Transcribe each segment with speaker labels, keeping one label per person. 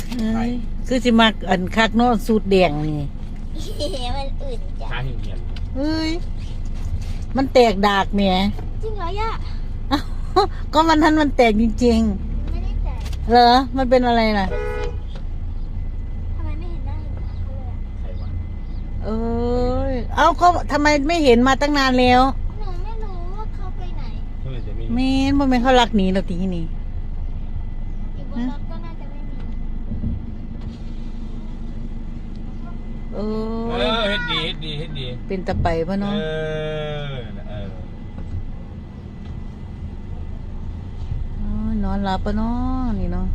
Speaker 1: คือสิมักอันคักเนาะสูตรแดงนี่
Speaker 2: มันอื่นจ้ะ
Speaker 3: ช้าเหี่ยน
Speaker 1: เฮ้ยมันแตกดากแหม
Speaker 2: จริงเหรอย่า
Speaker 1: อ้าวก็มันทันมันแตกจริง
Speaker 2: ไม่ได้แต่
Speaker 1: ๆเหรอมันเป็นอะไรล่ะ
Speaker 2: ทำไมไม่เห็นหน้าเห็นตาเขาเลยอะ
Speaker 3: ใครวะ
Speaker 1: เอ้ยเอ้าก็ทำไมไม่เห็นมาตั้งนานแล้ว
Speaker 2: หนูไม่รู้ว่าเขาไปไหน
Speaker 3: เมื่อไหร่จะมี
Speaker 1: แม่นบ่แม่นเขารักหนีเราทีนี่
Speaker 2: อยู่บนรถก็น่าจะไม่มี
Speaker 1: เอ
Speaker 3: เอ
Speaker 1: อ
Speaker 3: อเฮ็ดดี
Speaker 1: เป็นตะไปปะ
Speaker 3: เอ
Speaker 1: เนาะ
Speaker 3: อ
Speaker 1: นอนหลับปะเนาะนี่เนาะ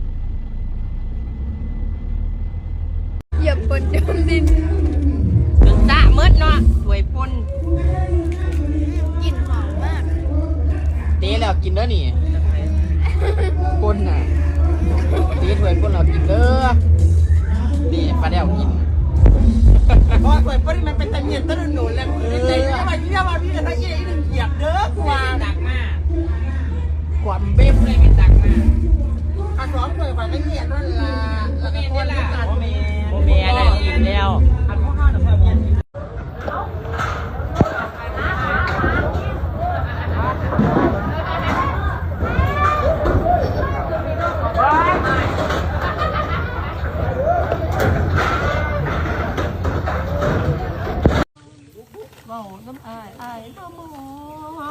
Speaker 2: เหยียบบนจมดิน
Speaker 4: ถึงตะมืดเนาะถวยปน
Speaker 2: กลิ่นหอมมาก
Speaker 4: เตะแล้วกินเด้อนี่ปนน่ะเตะถวยปนแล้วกินเด้อนี่ปลาแดวกิน
Speaker 5: พอเปิดปริมันเป็นตะเงียนตะหนุนแล้วในที่มาที่มาพี่จะยี่หนึ่งเหยียบเด้อกว่า
Speaker 4: ตักมากกว่าเบ๊บเลยเป็นตักมาก
Speaker 5: อาสองเปิดไปตะเงียนนั่นละแล้วก็คนละกันเม
Speaker 4: โมเมียได้กินแล้ว
Speaker 5: อันพวกข้าวหนึ่งเมียน
Speaker 4: เมาน้ำอายน้ำมอง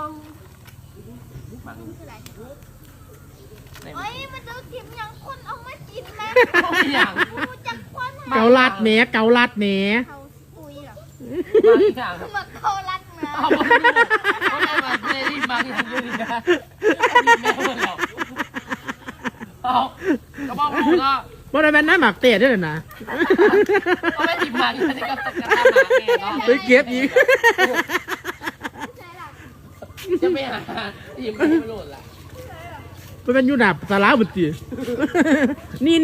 Speaker 2: เฮ้ยมันจะกินอย่างคนเอามากินไหม
Speaker 4: อย่าง
Speaker 2: รู้จักคน
Speaker 1: เกาลัดแหนเกาลัดแหน
Speaker 2: เขาปุยเหรอ
Speaker 4: บางอย่าง
Speaker 2: มาเขารัดนะ
Speaker 4: เอามาดูคนไหนมาเจนี่บางอย่างอยู่ดีนะแม่เพื่อนเราเอากระบอกพูดก็
Speaker 1: ว่าได้เป็นน้ำหมักเตะด้วยนะ
Speaker 4: ก็ไม่ติดมาอยู่ในกระตักกระตาหมาแน่เนาะ
Speaker 1: ไปเก็บอีก
Speaker 2: ใช่หรอ
Speaker 4: จะไม่หาหยิบไม่โหลดละ
Speaker 1: มันเป็นยูนาบสาระบุตรีนี่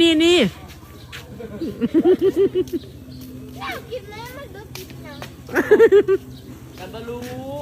Speaker 2: น่ากินเลยมันดูกินอย่าง
Speaker 4: กันบาลู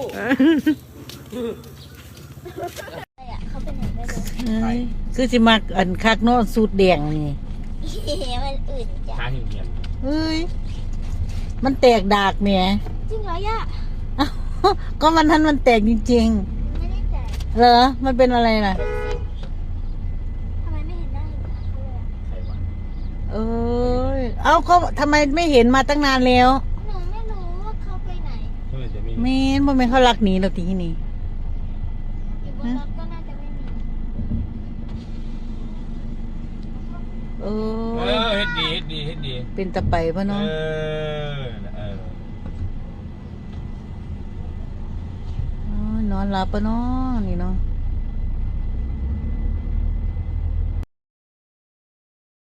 Speaker 2: เขาเป็นไหนไม่รู้
Speaker 1: คือสิมักอันคักเนาะสูตรแดงนี่
Speaker 2: มันอื่นจ้ะ
Speaker 3: ช้าเหี่ยน
Speaker 1: เฮ้ยมันแตกดากแหม
Speaker 2: จริงเหรอย่า
Speaker 1: อ้าวก็มันทันมันแตกจริง
Speaker 2: ไม่ได้แต่
Speaker 1: ๆเหรอมันเป็นอะไรล่ะ
Speaker 2: ทำไมไม่เห็นหน้าเห็นตาเขาเลยอะ
Speaker 3: ใครวะ
Speaker 1: เอ้ยเอ้าก็ทำไมไม่เห็นมาตั้งนานแล้ว
Speaker 2: หนูไม่รู้ว่าเขาไปไหน
Speaker 3: เมื่อไหร่จะมี
Speaker 1: แม่นบ่แม่นเขารักหนีเราทีนี่
Speaker 2: อยู่บนรถก็น่าจะไม่มี
Speaker 1: เอ
Speaker 3: เอ
Speaker 1: อ
Speaker 3: อเฮ็ดดี
Speaker 1: เป็นตะไปปะ
Speaker 3: เอ
Speaker 1: เนาะ
Speaker 3: อ
Speaker 1: นอนหลับปะเนาะนี่เนาะ